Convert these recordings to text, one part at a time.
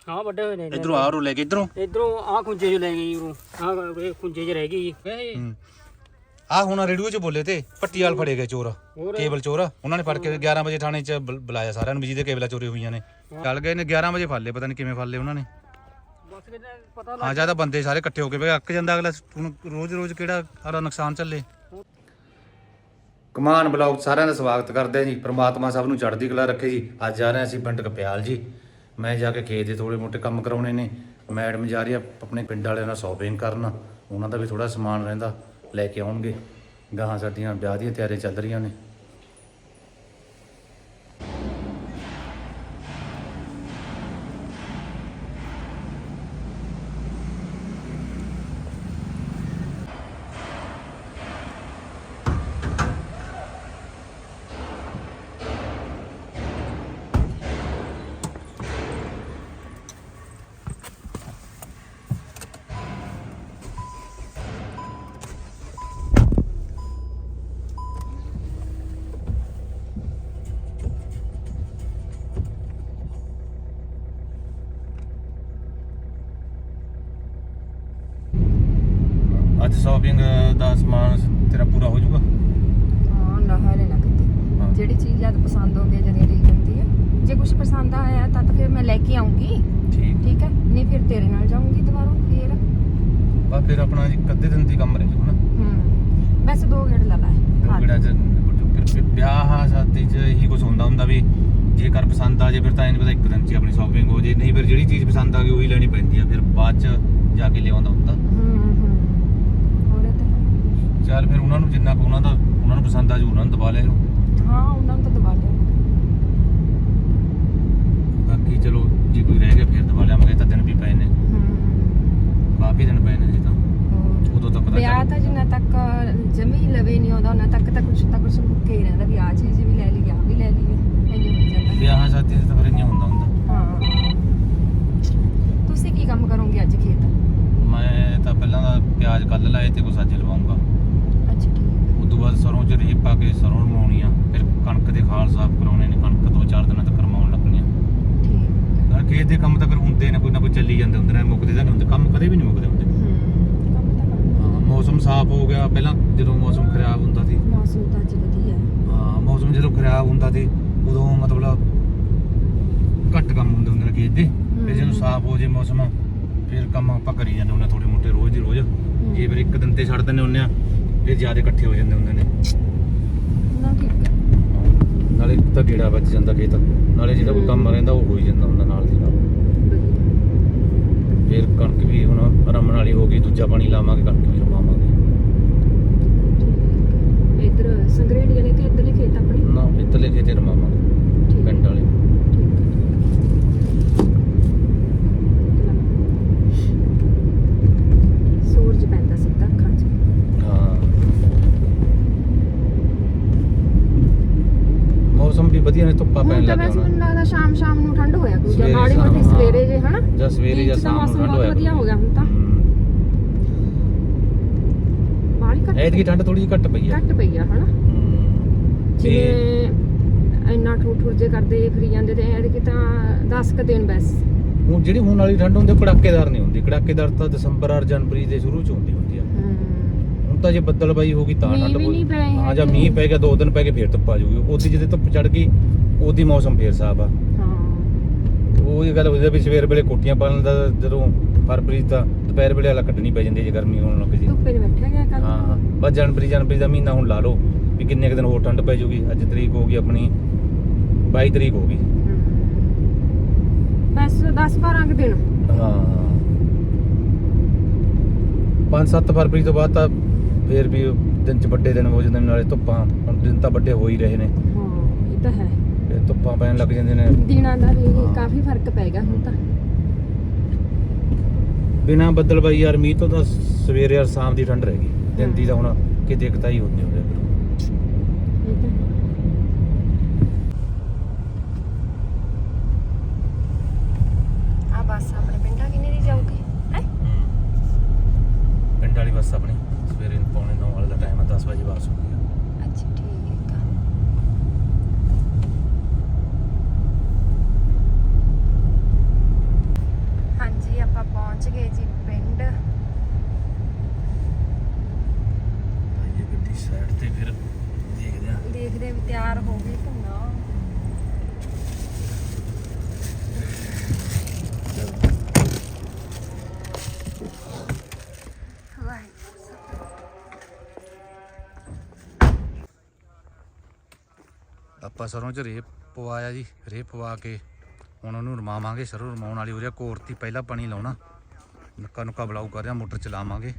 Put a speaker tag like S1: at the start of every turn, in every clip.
S1: ਹਾਂ ਵੱਡੇ ਹੋਏ ਨੇ
S2: ਇਧਰੋਂ ਆਹ ਰੋ ਲੈ ਕੇ
S1: ਇਧਰੋਂ ਆਹ ਖੁੰਝੇ 'ਚ ਲੈ ਗਈ ਉਰੋਂ ਆਹ ਖੁੰਝੇ 'ਚ ਰਹਿ ਗਈ
S2: ਆ ਹੁਣ ਰੇਡੀਓ 'ਚ ਬੋਲੇ ਤੇ ਪੱਟੀ ਵਾਲ ਫੜੇ ਗਏ ਚੋਰ ਕੇਬਲ ਚੋਰ ਉਹਨਾਂ ਨੇ ਫੜ ਕੇ 11 ਵਜੇ ਥਾਣੇ 'ਚ ਬੁਲਾਇਆ ਸਾਰਿਆਂ ਨੂੰ ਵੀ ਜਿਹਦੇ ਕੇਬਲਾਂ ਚੋਰੀ ਹੋਈਆਂ ਨੇ ਚੱਲ ਗਏ ਨੇ 11 ਵਜੇ ਫੜ ਲਏ ਪਤਾ ਨਹੀਂ ਕਿਵੇਂ ਫੜ ਲਏ ਉਹਨਾਂ ਨੇ
S1: ਪਤਾ
S2: ਹਾਂ ਜਿਆਦਾ ਬੰਦੇ ਸਾਰੇ ਇਕੱਠੇ ਹੋ ਕੇ ਅੱਕ ਜਾਂਦਾ ਅਗਲਾ ਰੋਜ਼ ਕਿਹੜਾ ਸਾਰਾ ਨੁਕਸਾਨ ਚੱਲੇ। ਕਮਾਨ ਬਲੌਗ ਸਾਰਿਆਂ ਦਾ ਸਵਾਗਤ ਕਰਦੇ ਆ ਜੀ। ਪ੍ਰਮਾਤਮਾ ਸਭ ਨੂੰ ਚੜ੍ਹਦੀ ਕਲਾ ਰੱਖੇ ਜੀ। ਅੱਜ ਜਾ ਰਹੇ ਹਾਂ ਅਸੀਂ ਪਿੰਡ ਕਪਿਆਲ ਜੀ। ਮੈਂ ਜਾ ਕੇ ਖੇਤ ਦੇ ਥੋੜੇ ਮੋਟੇ ਕੰਮ ਕਰਾਉਣੇ ਨੇ। ਮੈਡਮ ਜਾ ਰਹੀ ਆ ਆਪਣੇ ਪਿੰਡ ਵਾਲਿਆਂ ਨਾਲ ਸ਼ੋਪਿੰਗ ਕਰਨ, ਉਹਨਾਂ ਦਾ ਵੀ ਥੋੜਾ ਸਮਾਨ ਰਹਿੰਦਾ ਲੈ ਕੇ ਆਉਣਗੇ। ਗਾਹਾਂ ਸਾਡੀਆਂ ਵਿਆਹ ਦੀਆਂ ਤਿਆਰੀਆਂ ਚੱਲ ਰਹੀਆਂ ਨੇ। ਅੱਜ ਸ਼ੋਪਿੰਗ ਦਾ ਸਮਾਨ ਤੇਰਾ ਪੂਰਾ ਹੋ ਜਾਊਗਾ?
S3: ਹਾਂ ਨਾ ਹਲੇ ਨਾ ਕਿਤੇ ਜਿਹੜੀ ਚੀਜ਼ ਜਦ ਪਸੰਦ ਹੋ ਗਈ ਜਦ ਲੈ ਜਾਂਦੀ ਹੈ। ਜੇ ਕੁਝ ਪਸੰਦ ਆਇਆ ਤਾਂ ਫਿਰ ਮੈਂ ਲੈ ਕੇ ਆਉਂਗੀ। ਠੀਕ ਹੈ, ਨਹੀਂ ਫਿਰ ਤੇਰੇ ਨਾਲ ਜਾਊਂਗੀ ਦੁਬਾਰਾ।
S2: ਫਿਰ ਆਪਣਾ ਜੀ ਕੱਦੇ ਦਿਨ ਦੀ ਕੰਮ ਰਹਿ ਜੂ ਨਾ।
S3: ਵੈਸੇ 2 ਗੇੜ ਲਾ ਲਾਏ।
S2: 2 ਗੇੜਾਂ ਚ ਵਿਆਹ ਸ਼ਾਦੀ ਚ ਇਹੀ ਕੁਝ ਹੁੰਦਾ ਵੀ ਜੇਕਰ ਪਸੰਦ ਆ ਜੇ ਫਿਰ ਤਾਂ ਇਹਨੂੰ ਪਤਾ ਇੱਕ ਦਿਨ ਚ ਆਪਣੀ ਸ਼ੋਪਿੰਗ ਹੋ ਜੇ, ਨਹੀਂ ਫਿਰ ਜਿਹੜੀ ਚੀਜ਼ ਪਸੰਦ ਆ ਗਈ ਉਹੀ ਲੈਣੀ ਪੈਂਦੀ ਆ, ਫਿਰ ਬਾਅਦ ਚ ਜਾ ਕੇ ਲਿਆਉਂਦਾ ਹੁੰਦਾ। ਚੱਲ ਫਿਰ ਉਹਨਾਂ ਨੂੰ ਜਿੰਨਾ ਕੁ ਉਹਨਾਂ ਨੂੰ ਪਸੰਦ ਆ ਜੂ ਉਹਨਾਂ ਨੂੰ ਦਬਾ ਲਿਓ।
S3: ਹਾਂ ਉਹਨਾਂ ਨੂੰ ਤਾਂ ਦਬਾ ਲਿਓ।
S2: ਬਾਕੀ ਚਲੋ ਜੇ ਕੋਈ ਰਹਿ ਗਿਆ ਫਿਰ ਦਬਾ ਲਿਆਵਾਂਗੇ। ਤਾਂ ਦਿਨ ਵੀ ਪਏ ਨੇ, ਕਾਫੀ ਦਿਨ ਪਏ ਨੇ ਜੀ। ਤਾਂ ਉਦੋਂ ਤੱਕ ਪਤਾ
S3: ਵਿਆਹ ਤਾਂ ਜਿੰਨਾ ਤੱਕ ਜਮੀ ਲਵੇ ਨਹੀਂ ਆਉਂਦਾ ਉਹਨਾਂ ਤੱਕ ਤਾਂ ਕੁਛ ਮੁੱਕੇ ਹੀ ਰਹਿੰਦਾ ਵੀ ਆਹ ਚੀਜ਼ ਵੀ ਲੈ ਲਈ, ਆਹ ਵੀ ਲੈ ਲਈ। ਇੰਨੀ ਹੋ ਜਾਂਦਾ
S2: ਵਿਆਹਾਂ ਸ਼ਾਦੀ ਤੇ ਤਾਂ ਫਿਰ ਇੰਨਾ ਹੁੰਦਾ।
S3: ਹਾਂ ਤੁਸੀਂ ਕੀ ਕੰਮ ਕਰੋਗੇ ਅੱਜ ਖੇਤ?
S2: ਮੈਂ ਤਾਂ ਪਹਿਲਾਂ ਦਾ ਪਿਆਜ਼ ਕੱਲ ਲਾਏ ਤੇ ਕੁਛ ਅੱਜ ਲਵਾਉਂਗਾ।
S3: ਅੱਛਾ ਠੀਕ।
S2: ਉਸ ਤੋਂ ਬਾਅਦ ਸਰੋਂ ਚ ਰੇਹ ਪਾ ਕੇ ਸਰੋਂ ਲਵਾਉਣੀ ਆ। ਫਿਰ ਕਣਕ ਦੇ ਖਾਲ ਸਾਫ਼ ਕਰਾਉਣੇ ਨੇ। ਕਣਕ 2-4 ਦਿਨਾਂ ਤੱਕ ਕਰਵਾਉਣ ਲੱਗਣੀ ਆ।
S3: ਠੀਕ।
S2: ਖੇਤ ਦੇ ਕੰਮ ਤਾਂ ਫਿਰ ਹੁੰਦੇ ਨੇ, ਕੋਈ ਨਾ ਕੋਈ ਚੱਲੀ ਜਾਂਦੇ ਹੁੰਦੇ ਨੇ, ਮੁੱਕਦੇ ਤਾਂ ਨਹੀਂ ਹੁੰਦੇ ਕੰਮ, ਕਦੇ ਵੀ ਨਹੀਂ ਮੁੱਕਦੇ ਹੁੰਦੇ। ਮੌਸਮ ਸਾਫ਼ ਹੋ ਗਿਆ। ਪਹਿਲਾਂ ਜਦੋਂ ਮੌਸਮ ਖਰਾਬ ਹੁੰਦਾ ਸੀ,
S3: ਮੌਸਮ ਤਾਂ ਅੱਜ ਵਧੀਆ।
S2: ਹਾਂ ਮੌਸਮ ਜਦੋਂ ਖਰਾਬ ਹੁੰਦਾ ਸੀ ਉਦੋਂ ਮਤਲਬ ਘੱਟ ਕੰਮ ਹੁੰਦੇ ਨੇ ਖੇਤ ਦੇ। ਫਿਰ ਜਦੋਂ ਸਾਫ਼ ਹੋ ਜੇ ਮੌਸਮ ਫਿਰ ਕੰਮ ਆਪਾਂ ਕਰੀ ਜਾਂਦੇ ਹੁੰਦੇ ਥੋੜੇ ਮੋਟੇ ਰੋਜ਼ ਦੀ ਰੋਜ਼। ਜੇ ਫਿਰ ਇੱਕ ਦਿਨ ਤੇ ਛੱਡ ਦਿੰਦੇ ਹੁੰਦੇ ਆ ਫਿਰ ਜ਼ਿਆਦਾ ਇਕੱਠੇ ਹੋ ਜਾਂਦੇ ਹੁੰਦੇ ਨੇ
S3: ਨਾ। ਠੀਕ ਹੈ।
S2: ਨਾਲੇ ਤਾਂ ਗੇੜਾ ਵੱਜ ਜਾਂਦਾ ਖੇਤ, ਨਾਲੇ ਜਿਹੜਾ ਕੋਈ ਕੰਮ ਰਹਿੰਦਾ ਉਹ ਹੋ ਹੀ ਜਾਂਦਾ ਹੁੰਦਾ ਨਾਲ ਦੀ ਨਾਲ। ਫਿਰ ਕਣਕ ਵੀ ਹੁਣ ਰਮਣ ਵਾਲੀ ਹੋ ਗਈ, ਦੂਜਾ ਪਾਣੀ ਲਾਵਾਂਗੇ, ਕਣਕ ਵੀ ਰਮਾਵਾਂਗੇ।
S3: ਇੱਧਰ ਸੰਗਰੇੜੀ ਵਾਲੇ ਤੇ ਇੱਧਰਲੇ ਖੇਤ ਆਪਣੇ
S2: ਨਾ ਇੱਧਰਲੇ ਖੇਤੇ ਰਮਾਵਾਂਗੇ ਪਿੰਡ ਵਾਲੇ।
S3: ਸੂਰਜ ਪੈਂਦਾ ਸਿੱਧਾ ਅੱਖਾਂ 'ਚ।
S2: ਹਾਂ ਮੌਸਮ ਵੀ ਵਧੀਆ ਨੇ, ਧੁੱਪਾਂ ਪੈਣ ਲੱਗ
S3: ਵੈਸੇ
S2: ਗਈਆਂ
S3: ਮੈਨੂੰ ਲੱਗਦਾ ਸ਼ਾਮ ਨੂੰ ਠੰਡ ਹੋਇਆ ਕੋਈ ਜਾਂ
S2: ਸਵੇਰੇ
S3: ਮਾੜੀ
S2: ਸ਼ਾਮ,
S3: ਮੋਟੀ ਸਵੇਰੇ ਜੇ ਹਨਾ
S2: ਜਾਂ ਸਵੇਰੇ ਜਾਂ ਸ਼ਾਮ ਨੂੰ ਠੰਡ ਹੋਇਆ
S3: ਵਧੀਆ ਹੋ ਗਿਆ ਹੁਣ ਤਾਂ। ਬਾਹਲੀ ਘੱਟ
S2: ਐਤਕੀ ਠੰਡ ਥੋੜੀ ਜਿਹੀ ਘੱਟ ਪਈ ਆ।
S3: ਘੱਟ ਪਈ ਆ ਹਨਾ। ਜਿਵੇਂ ਇੰਨਾ ਠੂਠ ਜੇ ਕਰਦੇ ਫਰੀ ਜਾਂਦੇ ਤੇ ਐਤਕੀ ਤਾਂ 10 ਕੁ ਦਿਨ ਬਸ।
S2: ਹੁਣ ਜਿਹੜੀ ਹੁਣ ਵਾਲੀ ਠੰਡ ਹੁੰਦੀ ਕੜਾਕੇਦਾਰ ਨਹੀਂ ਹੁੰਦੀ। ਕੜਾਕੇਦਾਰ ਤਾਂ ਦਸੰਬਰ ਔਰ ਜਨਵਰੀ ਦੇ ਸ਼ੁਰੂ ਚ ਹੁੰਦੀ ਆ। ਹੁਣ ਤਾਂ ਜੇ ਬੱਦਲਬਾਈ ਹੋ ਗਈ ਤਾਂ ਠੰਡ ਹੋਈ। ਹਾਂ ਜਾਂ ਮੀਂਹ ਪੈ ਗਿਆ 2 ਦਿਨ ਪੈ ਕੇ ਫੇਰ ਧੁੱਪ ਆ ਜਾਊਗੀ। ਉਹਦੀ ਜਦੋਂ ਧੁੱਪ ਚੜ ਗਈ ਉਹਦੀ ਮੌਸਮ ਫੇਰ ਸਾਫ਼ ਆ। ਉਹ ਇਹ ਗੱਲ ਹੋ ਜਾਂਦੀ ਵੀ ਸਵੇਰ ਵੇਲੇ ਕੋਟੀਆਂ ਪਾਉਣ ਦਾ, ਜਦੋਂ ਫਰਵਰੀ ਤਾਂ ਦੁਪਹਿਰ ਵੇਲੇ ਵਾਲਾ ਕੱਢਣੀ ਪੈ ਜਾਂਦੀ ਜੇ ਗਰਮੀ ਹੋਣ ਲੱਗ ਜੀ।
S3: ਧੁੱਪੇ ਬੈਠਿਆ ਗਿਆ ਕੱਲ।
S2: ਹਾਂ ਬਸ ਜਨਵਰੀ ਦਾ ਮਹੀਨਾ ਹੁਣ ਲਾ ਲਓ ਵੀ ਕਿੰਨੇ ਕੁ ਦਿਨ ਹੋਰ ਠੰਡ ਪੈ ਜਾਊਗੀ। ਅੱਜ ਤਰੀਕ ਹੋ ਗਈ ਆਪਣੀ 22 ਤਰੀਕ ਹੋ ਗਈ।
S3: ਬਸ 10-12 ਕੁ ਦਿਨ।
S2: ਹਾਂ 5-7 ਫਰਵਰੀ ਤੋਂ ਬਾਅਦ ਤਾਂ ਫੇਰ ਵੀ ਦਿਨ ਚ ਵੱਡੇ ਦਿਨ ਹੋ ਜਾਂਦੇ ਨੇ, ਨਾਲੇ ਧੁੱਪਾਂ ਹੁਣ ਦਿਨ ਤਾਂ ਵੱਡੇ ਹੋ ਹੀ ਰਹੇ ਨੇ।
S3: ਹਾਂ ਇਹ ਤਾਂ ਹੈ।
S2: ਫਿਰ ਧੁੱਪਾਂ ਪੈਣ ਲੱਗ ਜਾਂਦੇ ਨੇ।
S3: ਦਿਨਾਂ ਦਾ ਵੀ ਕਾਫੀ ਫਰਕ ਪੈ ਗਿਆ ਹੁਣ ਤਾਂ।
S2: ਬਿਨਾਂ ਬੱਦਲਬਾਈ ਯਾਰ ਮੀਂਹ ਤੋਂ ਤਾਂ ਸਵੇਰੇ ਔਰ ਸ਼ਾਮ ਦੀ ਠੰਡ ਰਹਿ ਗਈ। ਦਿਨ ਦੀ ਤਾਂ ਹੁਣ ਕਿਤੇ ਕਿਤਾ ਹੀ ਹੁੰਦੀ ਹੁੰਦੀ।
S3: ਆ ਬੱਸ ਆਪਣੇ ਪਿੰਡਾਂ ਕਿੰਨੇ ਦੀ ਜਾਊਗੀ ਹੈ?
S2: ਪਿੰਡ ਵਾਲੀ ਬੱਸ ਆਪਣੀ ਸਵੇਰੇ 9:45 ਵਾਲੇ ਦਾ ਟਾਈਮ ਹੈ, 10 ਵਜੇ ਵਾਪਸ ਹੁੰਦੀ ਆ।
S3: ਅੱਛਾ ਠੀਕ ਆ। ਗਏ ਜੀ ਪਿੰਡ।
S2: ਆਈਏ ਗੱਡੀ ਸਾਈਡ ਤੇ ਫਿਰ
S3: ਦੇਖਦੇ ਵੀ ਤਿਆਰ ਹੋ ਗਏ ਕਿ ਨਾ।
S2: ਆਪਾਂ ਸਰੋਂ 'ਚ ਰੇਹ ਪਵਾਇਆ ਜੀ। ਰੇਹ ਪਵਾ ਕੇ ਹੁਣ ਉਹਨੂੰ ਰਮਾਵਾਂਗੇ। ਸਰੋਂ ਰਮਾਉਣ ਵਾਲੀ ਹੋ ਰਿਹਾ। ਕੋਰਤੀ ਪਹਿਲਾਂ ਪਾਣੀ ਲਾਉਣਾ, ਨੱਕਾ ਨੁੱਕਾ ਬਲਾਊ ਕਰ ਰਿਹਾ, ਮੋਟਰ ਚਲਾਵਾਂਗੇ।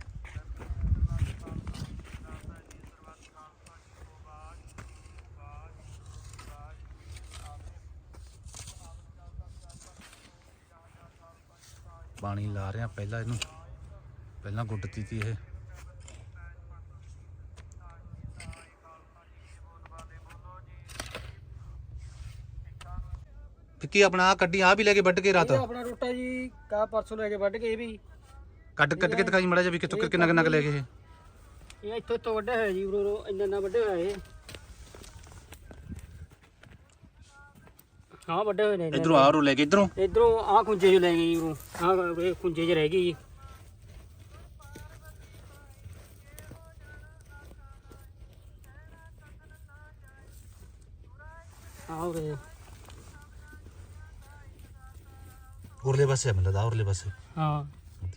S2: ਪਾਣੀ ਲਾ ਰਿਹਾ ਪਹਿਲਾਂ ਇਹਨੂੰ, ਪਹਿਲਾਂ ਗੁੱਡਤੀ ਤੀ ਇਹ। ਕੀ ਆਪਣਾ ਆ ਕੱਢੀ ਆ ਵੀ ਲੈ ਕੇ ਵੱਢ ਕੇ ਰਾਤ
S1: ਆਪਣਾ ਟੋਟਾ ਜੀ ਕਾ ਪਰਸੋਂ ਲੈ ਕੇ ਵੱਢ ਕੇ ਇਹ ਵੀ
S2: ਕੱਢ ਕੇ ਦਿਖਾਈ ਮੜਾ ਜਾ ਵੀ ਕਿੱਥੋਂ ਕਿੰਨਾ ਕਿੰਨਾ ਲੈ ਗਏ
S1: ਇਹ ਇੱਥੋਂ ਤੋਂ ਵੱਡਾ ਹੋਇਆ ਜੀ ਉਰੋਂ ਇੰਨਾ ਵੱਡੇ ਹੋਇਆ ਇਹ। ਹਾਂ ਵੱਡੇ ਹੋਏ ਨੇ।
S2: ਇਧਰੋਂ ਆ ਰੋ ਲੈ ਕੇ ਇਧਰੋਂ
S1: ਆ ਖੁੰਝੇ ਚ ਲੈ ਗਏ ਜੀ ਉਰੋਂ ਆ ਇਹ ਖੁੰਝੇ ਚ ਰਹਿ ਗਈ ਜੀ। ਉਰੇ
S2: ਉਰਲੇ ਪਾਸੇ ਮਿਲਦਾ ਉਰਲੇ ਪਾਸੇ।
S1: ਹਾਂ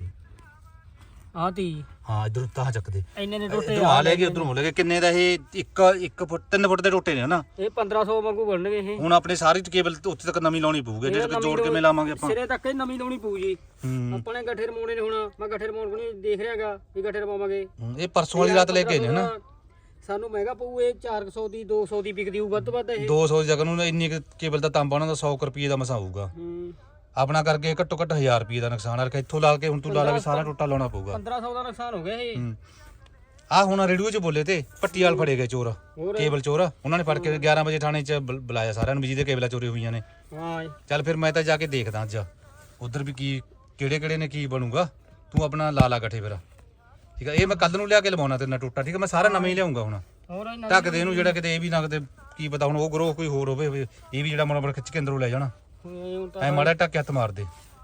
S1: ਆ ਤੀ
S2: ਹਾਂ ਇਧਰੋਂ ਤਾਂ ਚੱਕਦੇ
S1: ਇੰਨੇ ਨੇ ਟੋਟੇ
S2: ਆ ਲੈ ਗਏ। ਉਧਰੋਂ ਲੈ ਗਏ। ਕਿੰਨੇ ਦਾ ਇਹ 1 ਫੁੱਟ 3 ਫੁੱਟ ਦੇ ਟੋਟੇ ਨੇ ਹਨਾ।
S1: ਇਹ 1500 ਵਾਂਗੂ ਬਣਨਗੇ ਇਹ।
S2: ਹੁਣ ਆਪਣੇ ਸਾਰੀ ਕੇਬਲ ਉੱਥੇ ਤੱਕ ਨਵੀਂ ਲਾਉਣੀ ਪਊਗੀ। ਜੇ ਜੋੜ ਕੇ ਲਾਵਾਂਗੇ ਆਪਾਂ
S1: ਸਿਰੇ ਤੱਕ ਨਵੀਂ ਲਾਉਣੀ ਪਊ ਜੀ। ਆਪਣੇ ਗੱਠੇ ਰਮਾਉਣੇ ਨੇ। ਹੁਣ ਮੈਂ ਗੱਠੇ ਰਮਾਉਣ ਕੋਲ ਦੇਖ ਰਿਹਾਗਾ ਵੀ ਗੱਠੇ ਰਮਾਵਾਂਗੇ।
S2: ਇਹ ਪਰਸੋਂ ਵਾਲੀ ਰਾਤ ਲੈ ਕੇ ਨੇ ਹਨਾ।
S1: ਸਾਨੂੰ ਮਹਿੰਗਾ ਪਊ ਇਹ 400 ਦੀ 200 ਦੀ ਵਿਕਦੀ ਹੋਊ ਵੱਧ ਤੋਂ ਵੱਧ ਇਹ।
S2: 200 ਦੀ ਜਗ੍ਹਾ ਨੂੰ ਇੰਨੀ ਕੇਬਲ ਦਾ ਤਾਂਬਾ ਉਹਨਾਂ ਦਾ 100 ਰੁਪਏ ਦਾ ਮਸਾ ਆਊਗਾ। ਆਪਣਾ ਕਰਕੇ ਘੱਟੋ ਘੱਟ 1000 ਰੁਪਏ ਦਾ ਨੁਕਸਾਨ ਆ। ਇੱਥੋਂ ਲਾ ਕੇ ਹੁਣ ਤੂੰ ਲਾ ਲਾ ਵੀ ਸਾਰਾ ਟੋਟਾ ਲਾਉਣਾ ਪਊਗਾ।
S1: 1500 ਦਾ ਨੁਕਸਾਨ ਹੋ ਗਿਆ ਇਹ।
S2: ਆ ਹੁਣ ਰੇਡੀਓ 'ਚ ਬੋਲੇ ਤੇ ਪੱਟੀ ਵਾਲ ਫੜੇ ਗਏ ਚੋਰ, ਕੇਬਲ ਚੋਰ। ਉਹਨਾਂ ਨੇ ਫੜ ਕੇ 11 ਵਜੇ ਥਾਣੇ 'ਚ ਬੁਲਾਇਆ ਸਾਰਿਆਂ ਨੂੰ ਵੀ ਜਿਹਦੇ ਕੇਬਲਾਂ ਚੋਰੀ ਹੋਈਆਂ ਨੇ।
S1: ਹਾਂ
S2: ਚੱਲ ਫਿਰ ਮੈਂ ਤਾਂ ਜਾ ਕੇ ਦੇਖਦਾ ਅੱਜ ਉਧਰ ਵੀ ਕੀ ਕਿਹੜੇ ਕਿਹੜੇ ਨੇ ਕੀ ਬਣੂਗਾ। ਤੂੰ ਆਪਣਾ ਲਾ ਲਾ ਗੱਠੇ ਫਿਰ ਠੀਕ ਆ। ਇਹ ਮੈਂ ਕੱਲ ਨੂੰ ਲਿਆ ਕੇ ਲਵਾਉਣਾ ਤੇਰੇ ਨਾਲ ਟੋਟਾ ਠੀਕ ਆ। ਮੈਂ ਸਾਰਾ ਨਵਾਂ ਹੀ ਲਿਆਉਂਗਾ ਹੁਣ। ਢੱਕ ਦੇ ਇਹਨੂੰ ਜਿਹੜਾ ਕਿਤੇ ਇਹ ਵੀ ਨਾ ਕਿਤੇ ਕੀ ਪਤਾ ਹੁਣ ਉਹ ਗਰੋਹ ਕੋਈ ਹੋਰ ਹੋਵੇ ਇਹ ਵੀ ਜਿਹੜਾ ਮੋੜ ਖਿੱਚ ਕੇ ਅੰਦਰੋਂ ਲੈ ਜਾਣਾ। ਐ ਮਾੜਾ ਢੱਕ ਹੱਥ ਮਾਰ ਦੇ।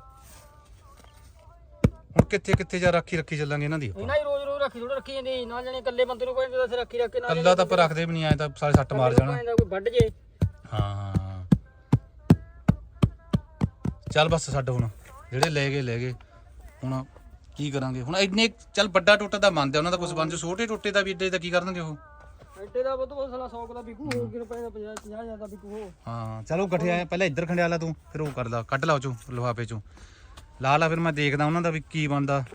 S2: ਹੁਣ ਕਿੱਥੇ ਕਿੱਥੇ ਜਾ ਰੱਖੀ ਚੱਲਾਂਗੇ ਇਹਨਾਂ ਦੀ।
S1: ਇਹਨਾਂ ਹੀ ਰੋਜ਼ ਰੱਖੀ ਥੋੜਾ ਰੱਖੀ ਜਾਂਦੀ ਨਾਲ ਜਾਣੇ ਇਕੱਲੇ ਬੰਦੇ ਨੂੰ ਕੋਈ ਦੱਸ ਰੱਖੀ ਰੱਖ ਕੇ ਨਾਲ
S2: ਕੱਲਾ ਤਾਂ ਆਪਾਂ ਰੱਖਦੇ ਵੀ ਨਹੀਂ ਆਏ ਤਾਂ ਸਾਰੇ ਸੱਟ ਮਾਰ ਜਾਣਾ।
S1: ਕੋਈ ਵੱਢ ਜੇ।
S2: ਹਾਂ ਚੱਲ ਬਸ ਛੱਡ ਹੁਣ ਜਿਹੜੇ ਲੈ ਗਏ ਹੁਣ ਕੀ ਕਰਾਂਗੇ ਹੁਣ। ਇੰਨੇ ਚੱਲ ਵੱਡਾ ਟੋਟਾ ਤਾਂ ਮੰਨਦੇ ਉਹਨਾਂ ਦਾ ਕੁਝ ਬਣ ਜਾ। ਛੋਟੇ ਟੋਟੇ ਦਾ ਵੀ ਏਡੇ ਦਾ ਕੀ ਕਰਨਗੇ ਉਹ।
S1: ਐਡੇ ਦਾ ਬਹੁਤ ਸਾਲਾ 100 ਦਾ ਵਿਕੂ ਹੋ ਕਿਨ ਪੈਦਾ 50,000 ਦਾ ਵਿਕੂ ਹੋ।
S2: ਹਾਂ ਚਲੋ ਗੱਠੇ ਆਏ ਪਹਿਲਾਂ ਇੱਧਰ ਖੰਡਿਆ ਲਾ ਤੂੰ ਫਿਰ ਉਹ ਕਰ ਲਾ ਕੱਢ ਲਾ ਉਹ ਚੋਂ ਲਿਫਾਫੇ ਚੋਂ ਲਾ ਲਾ। ਫਿਰ ਮੈਂ ਦੇਖਦਾ ਉਹਨਾਂ ਦਾ ਵੀ ਕੀ ਬਣਦਾ।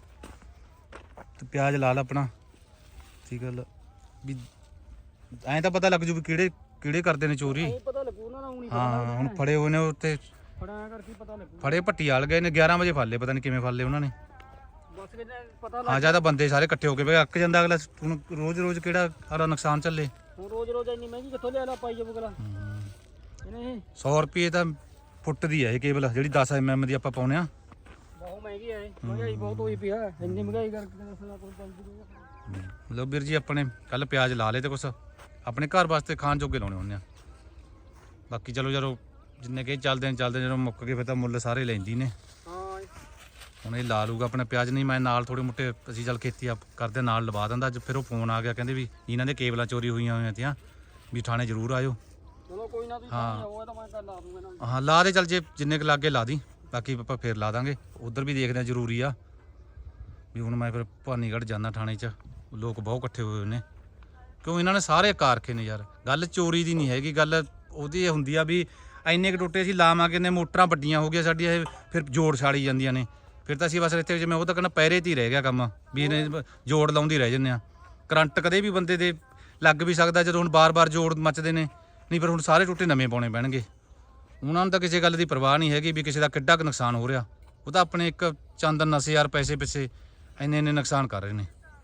S2: ਤੇ ਪਿਆਜ਼ ਲਾ ਲਾ ਆਪਣਾ ਠੀਕ ਗੱਲ ਵੀ ਐਂ ਤਾਂ ਪਤਾ ਲੱਗ ਜੂ ਵੀ ਕਿਹੜੇ ਕਰਦੇ ਨੇ ਚੋਰੀ।
S1: ਪਤਾ ਲੱਗੂ ਉਹਨਾਂ ਦਾ ਹੁਣੀ।
S2: ਹਾਂ ਹੁਣ ਫੜੇ ਹੋਏ ਨੇ ਉੱਤੇ
S1: ਫੜਾਇਆ ਕਰਕੇ ਪਤਾ ਲੱਗੂ।
S2: ਫੜੇ ਭੱਟੀ ਵਾਲ ਗਏ ਨੇ 11 ਵਜੇ ਫੜ ਲਏ ਪਤਾ ਨਹੀਂ ਕਿਵੇਂ ਫੜ ਲਏ ਉਹਨਾਂ ਨੇ।
S1: ਬਸ ਕਿਤੇ ਪਤਾ
S2: ਹਾਂ ਜਿਆਦਾ ਬੰਦੇ ਸਾਰੇ ਇਕੱਠੇ ਹੋ ਕੇ ਬਈ ਅੱਕ ਜਾਂਦਾ ਅਗਲਾ। ਹੁਣ ਰੋਜ਼ ਕਿਹੜਾ ਸਾਰਾ ਨੁਕਸਾਨ ਚੱਲੇ।
S1: ਹੁਣ ਰੋਜ਼ ਇੰਨੀ ਮਹਿੰਗੀ ਕਿੱਥੋਂ ਲਿਆ ਲਾ ਪਾਈ ਜਾਊ ਅਗਲਾ। ਇਹਨੇ
S2: 100 ਰੁਪਏ ਤਾਂ ਫੁੱਟ ਦੀ ਹੈ ਇਹ ਕੇਬਲ ਜਿਹੜੀ 10 mm ਦੀ ਆਪਾਂ ਪਾਉਨੇ ਆ।
S1: ਬਹੁਤ ਮਹਿੰਗੀ ਹੈ ਮਹਿੰਗਾਈ ਬਹੁਤ ਹੋਈ ਪਈ ਆ। ਇੰਨੀ ਮਹਿੰਗਾਈ ਕਰਕੇ ਦੱਸਣਾ ਕੋਈ ਪੰਜ।
S2: ਲੋ ਵੀਰ ਜੀ ਆਪਣੇ ਕੱਲ ਪਿਆਜ਼ ਲਾ ਲਏ ਤੇ ਕੁਛ ਆਪਣੇ ਘਰ ਵਾਸਤੇ ਖਾਣ ਜੋਗੇ ਲਾਉਣੇ ਹੁੰਦੇ ਆ। ਬਾਕੀ ਚਲੋ ਜਦੋਂ ਜਿੰਨੇ ਕਿ ਚੱਲਦੇ ਜਦੋਂ ਮੁੱਕ ਗਏ ਫਿਰ ਤਾਂ ਮੁੱਲ ਸਾਰੇ ਲੈਂਦੀ ਨੇ।
S1: ਹਾਂ
S2: ਹੁਣ ਇਹ ਲਾ ਲੂਗਾ ਆਪਣਾ ਪਿਆਜ਼। ਨਹੀਂ ਮੈਂ ਨਾਲ ਥੋੜੇ ਮੋਟੇ ਅਸੀਂ ਚੱਲ ਖੇਤੀ ਕਰਦੇ ਨਾਲ ਲਵਾ ਦਿੰਦਾ। ਅੱਜ ਫਿਰ ਉਹ ਫੋਨ ਆ ਗਿਆ ਕਹਿੰਦੇ ਵੀ ਇਹਨਾਂ ਦੇ ਕੇਬਲਾਂ ਚੋਰੀ ਹੋਈਆਂ ਤੀਆਂ ਵੀ ਥਾਣੇ ਜ਼ਰੂਰ ਆਇਓ।
S1: ਚਲੋ ਕੋਈ ਨਾ ਤੁਸੀਂ ਆਓ ਤਾਂ ਮੈਂ ਕੱਲ ਲਾ ਦੂੰਗਾ ਨਾ।
S2: ਹਾਂ ਲਾ ਦੇ ਚੱਲ ਜੇ ਜਿੰਨੇ ਕੁ ਲਾਗੇ ਲਾ ਦੀ। ਬਾਕੀ ਆਪਾਂ ਫੇਰ ਲਾ ਦਾਂਗੇ। ਉਧਰ ਵੀ ਦੇਖਦੇ ਆ ਜ਼ਰੂਰੀ ਆ ਵੀ। ਹੁਣ ਮੈਂ ਫਿਰ ਭਾਨੀਗੜ੍ਹ ਜਾਂਦਾ ਥਾਣੇ 'ਚ ਲੋਕ ਬਹੁਤ ਇਕੱਠੇ ਹੋਏ ਨੇ ਕਿਉਂ ਇਹਨਾਂ ਨੇ ਸਾਰੇ ਕਾਰਖੇ ਨੇ ਯਾਰ। ਗੱਲ ਚੋਰੀ ਦੀ ਨਹੀਂ ਹੈਗੀ। ਗੱਲ ਉਹਦੀ ਇਹ ਹੁੰਦੀ ਆ ਵੀ ਇੰਨੇ ਕੁ ਟੋਟੇ ਅਸੀਂ ਲਾਵਾਂਗੇ ਨੇ ਮੋਟਰਾਂ ਵੱਡੀਆਂ ਹੋ ਗਈਆਂ ਸਾਡੀਆਂ ਇਹ ਫਿਰ ਜੋੜ ਛਾੜੀ ਜਾਂਦੀਆਂ ਨੇ। ਫਿਰ ਤਾਂ ਅਸੀਂ ਬਸ ਇੱਥੇ ਜਿਵੇਂ ਉਹ ਤਾਂ ਕਹਿੰਦਾ ਪਹਿਰੇ 'ਤੇ ਹੀ ਰਹਿ ਗਿਆ ਕੰਮ ਵੀ ਇਹਨੇ ਜੋੜ ਲਾਉਂਦੇ ਰਹਿ ਜੰਨੇ ਆ। ਕਰੰਟ ਕਦੇ ਵੀ ਬੰਦੇ ਦੇ ਲੱਗ ਵੀ ਸਕਦਾ ਜਦੋਂ ਹੁਣ ਬਾਰ-ਬਾਰ ਜੋੜ ਮੱਚਦੇ ਨੇ। ਨਹੀਂ ਫਿਰ ਹੁਣ ਸਾਰੇ ਟੋਟੇ ਨਵੇਂ ਪਾਉਣੇ ਪੈਣਗੇ। ਉਹਨਾਂ ਨੂੰ ਤਾਂ ਕਿਸੇ ਗੱਲ ਦੀ ਪਰਵਾਹ ਨਹੀਂ ਹੈਗੀ ਵੀ ਕਿਸੇ ਦਾ ਕਿੱਡਾ ਕੁ ਨੁਕਸਾਨ ਹੋ ਰਿਹਾ। ਉਹ ਤਾਂ ਆਪਣੇ ਇੱਕ ਚੰਦ ਨਸੇ ਯਾਰ ਪੈਸੇ ਪਿੱਛੇ ਇੰਨੇ ਨੁਕਸਾਨ ਕਰ ਰਹੇ ਨੇ।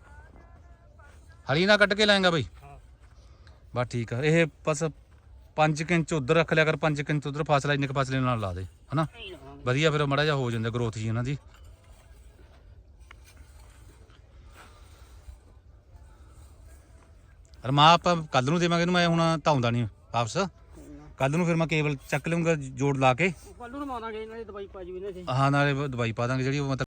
S2: ਹਲੀ ਨਾ ਕੱਢ ਕੇ ਲਾਏਗਾ ਬਈ ਬਸ ਠੀਕ ਆ। ਇਹ ਬਸ 5 ਇੰਚ ਉੱਧਰ ਰੱਖ ਲਿਆ ਕਰ 5 ਇੰਚ ਉੱਧਰ ਫਾਸਲਾ ਇੰਨੇ ਕੁ ਫਾਸਲੇ ਨਾਲ ਲਾ ਦੇ ਹਨਾ ਵਧੀਆ। ਫਿਰ ਮਾੜਾ ਜਿਹਾ ਹੋ ਜਾਂਦਾ ਗਰੋਥ ਜੀ ਇਹਨਾਂ ਦੀ। ਰਮਾ ਆਪਾਂ ਕੱਲ ਨੂੰ ਦੇਵਾਂਗੇ ਇਹਨੂੰ। ਮੈਂ ਹੁਣ ਧਾਉਂਦਾ ਨਹੀਂ ਵਾਪਸ। ਕੱਲ ਨੂੰ ਫਿਰ ਮੈਂ ਕੇਬਲ ਚੱਕ ਲਊਂਗਾ ਜੋੜ ਲਾ ਕੇ।
S1: ਕੱਲ ਨੂੰ ਮਾਰਾਂਗੇ ਇਹਨਾਂ ਦੀ ਦਵਾਈ ਪਾ ਜੂ ਇਹਨਾਂ ਦੀ।
S2: ਹਾਂ ਨਾਲੇ ਦਵਾਈ ਪਾ ਦਾਂਗੇ ਜਿਹੜੀ ਉਹ